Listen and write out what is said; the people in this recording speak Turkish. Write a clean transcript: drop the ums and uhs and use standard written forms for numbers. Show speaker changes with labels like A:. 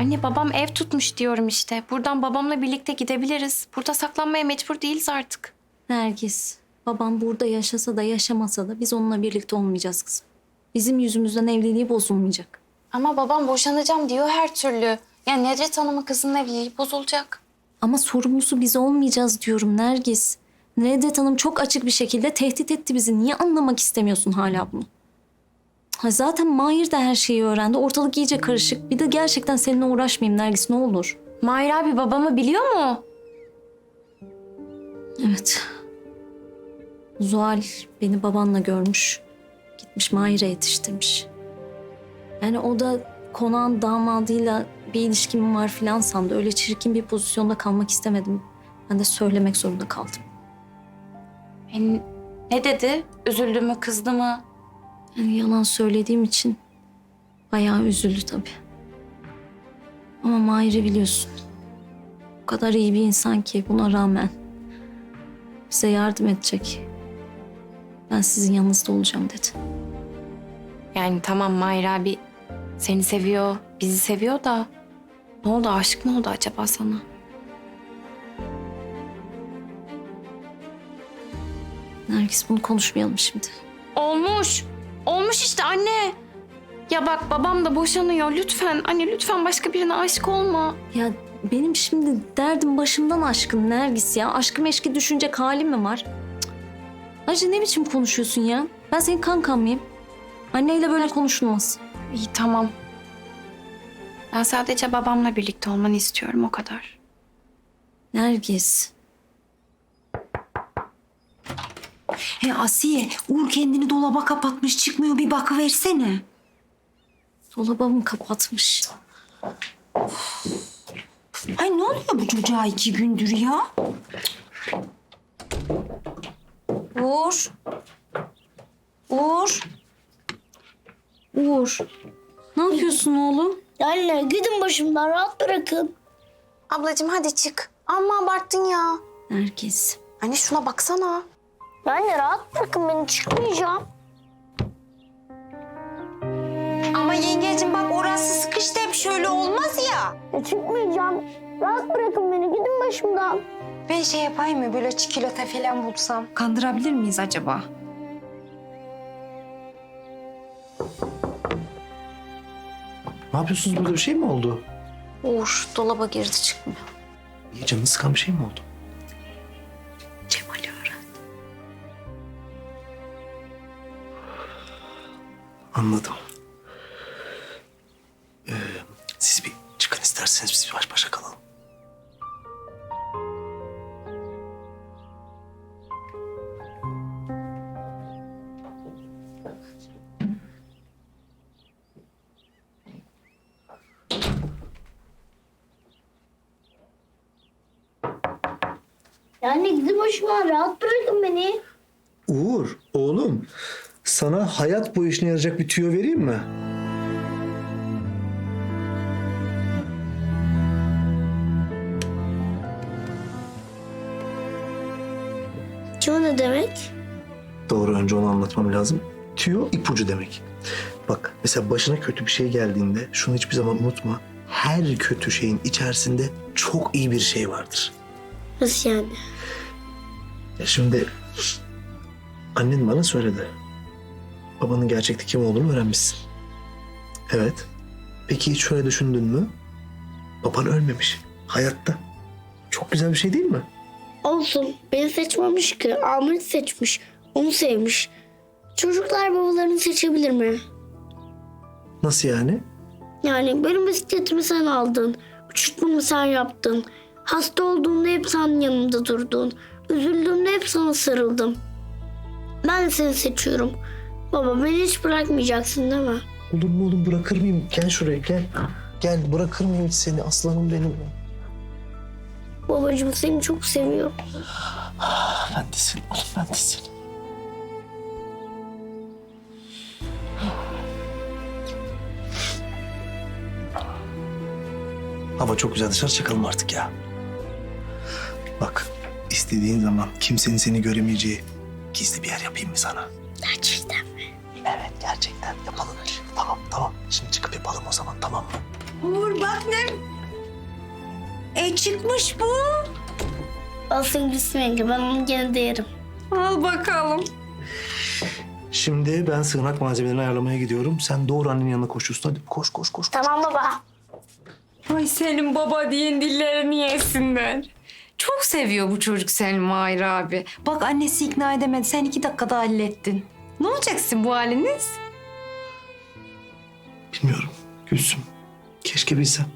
A: Anne babam ev tutmuş diyorum işte. Buradan babamla birlikte gidebiliriz. Burada saklanmaya mecbur değiliz artık.
B: Nergis, babam burada yaşasa da yaşamasa da biz onunla birlikte olmayacağız kızım. Bizim yüzümüzden evliliği bozulmayacak.
A: Ama babam boşanacağım diyor her türlü. Yani Nedret Hanım'ın kızının evliliği bozulacak.
B: Ama sorumlusu biz olmayacağız diyorum Nergis. Nedret Hanım çok açık bir şekilde tehdit etti bizi. Niye anlamak istemiyorsun hala bunu? Ha zaten Mahir de her şeyi öğrendi. Ortalık iyice karışık. Bir de gerçekten seninle uğraşmayayım Nergis, ne olur.
A: Mahir abi babamı biliyor mu?
B: Evet. Zuhal beni babanla görmüş. Gitmiş Mahir'e yetiştirmiş. Yani o da konağın damadıyla bir ilişkim var filan sandı. Öyle çirkin bir pozisyonda kalmak istemedim. Ben de söylemek zorunda kaldım.
A: Ne dedi? Üzüldü mü, kızdı mı?
B: Yani yalan söylediğim için bayağı üzüldü tabii. Ama Mahir'i biliyorsun. O kadar iyi bir insan ki buna rağmen bize yardım edecek. Ben sizin yanınızda olacağım dedi.
A: Yani tamam Mahir abi seni seviyor, bizi seviyor da... Ne oldu, aşık mı oldu acaba sana?
B: Nergis, bunu konuşmayalım şimdi.
A: Olmuş. Olmuş işte anne. Ya bak babam da boşanıyor. Lütfen anne lütfen başka birine aşık olma.
B: Ya benim şimdi derdim başımdan aşkın Nergis ya. Aşkı meşki düşünecek halim mi var? Cık. Ayrıca ne biçim konuşuyorsun ya? Ben senin kankan mıyım? Anneyle böyle konuşulmaz.
A: İyi tamam. Ben sadece babamla birlikte olmanı istiyorum o kadar.
B: Nergis.
C: Asiye, Uğur kendini dolaba kapatmış, çıkmıyor, bir bakıversene.
B: Dolabımı kapatmış.
C: Ay ne oluyor bu çocuğa 2 gündür ya? Uğur. Uğur.
B: Uğur. Ne yapıyorsun oğlum?
D: Anne gidin başımdan rahat bırakın.
A: Ablacığım hadi çık. Amma abarttın ya.
B: Nergis.
A: Anne şuna baksana.
D: Anne rahat bırakın beni çıkmayacağım.
C: Ama yengecim bak orası sıkıştı, hep şöyle olmaz ya.
D: Çıkmayacağım. Rahat bırakın beni gidin başımdan.
C: Ben şey yapayım mı, böyle çikolata falan bulsam? Kandırabilir miyiz acaba?
E: Ne yapıyorsunuz burada, bir şey mi oldu?
B: Uğur dolaba girdi çıkmıyor.
E: İyi, canını sıkan bir şey mi oldu?
B: Cemal'i öğren.
E: Anladım. Siz bir çıkın isterseniz, biz baş başa kalalım.
D: Anne gidin başımdan rahat bırakın beni.
E: Uğur, oğlum. Sana hayat boyu işine yarayacak bir tüyo vereyim mi?
D: Tüyo ne demek?
E: Doğru, önce onu anlatmam lazım. Tüyo ipucu demek. Bak mesela başına kötü bir şey geldiğinde şunu hiçbir zaman unutma. Her kötü şeyin içerisinde çok iyi bir şey vardır.
D: Nasıl yani?
E: Ya şimdi annen bana söyledi. Babanın gerçekte kim olduğunu öğrenmişsin. Evet. Peki hiç şöyle düşündün mü? Baban ölmemiş. Hayatta. Çok güzel bir şey değil mi?
D: Olsun beni seçmemiş ki. Ahmet seçmiş. Onu sevmiş. Çocuklar babalarını seçebilir mi?
E: Nasıl yani?
D: Yani benim bisikletimi sen aldın. Uçurtmamı sen yaptın. Hasta olduğumda hep sen yanımda durdun. Üzüldüğümde hep sana sarıldım. Ben de seni seçiyorum. Baba beni hiç bırakmayacaksın değil mi?
E: Olur mu oğlum, bırakır mıyım? Gel şuraya, gel. Gel, bırakır mıyım hiç seni, aslanım benim.
D: Babacığım seni çok seviyorum.
E: Ben de seni oğlum, ben de seni. Hava çok güzel, dışarı çıkalım artık ya. Bak, istediğin zaman kimsenin seni göremeyeceği gizli bir yer yapayım mı sana?
D: Gerçekten mi?
E: Evet, gerçekten yapalım. Tamam, tamam. Şimdi çıkıp yapalım o zaman, tamam mı?
C: Uğur bak ne? Çıkmış bu.
D: Alsın gitsin yenge, ben onu gene de yerim.
C: Al bakalım.
E: Şimdi ben sığınak malzemelerini ayarlamaya gidiyorum. Sen doğru annenin yanına koşuyorsun. Hadi koş koş koş.
D: Tamam baba.
A: Ay senin baba diyen dillerini yesinler. Çok seviyor bu çocuk seni Mahir abi. Bak annesi ikna edemedi. Sen 2 dakikada hallettin. Ne olacaksın bu haliniz?
E: Bilmiyorum Gülsüm. Keşke bilsem.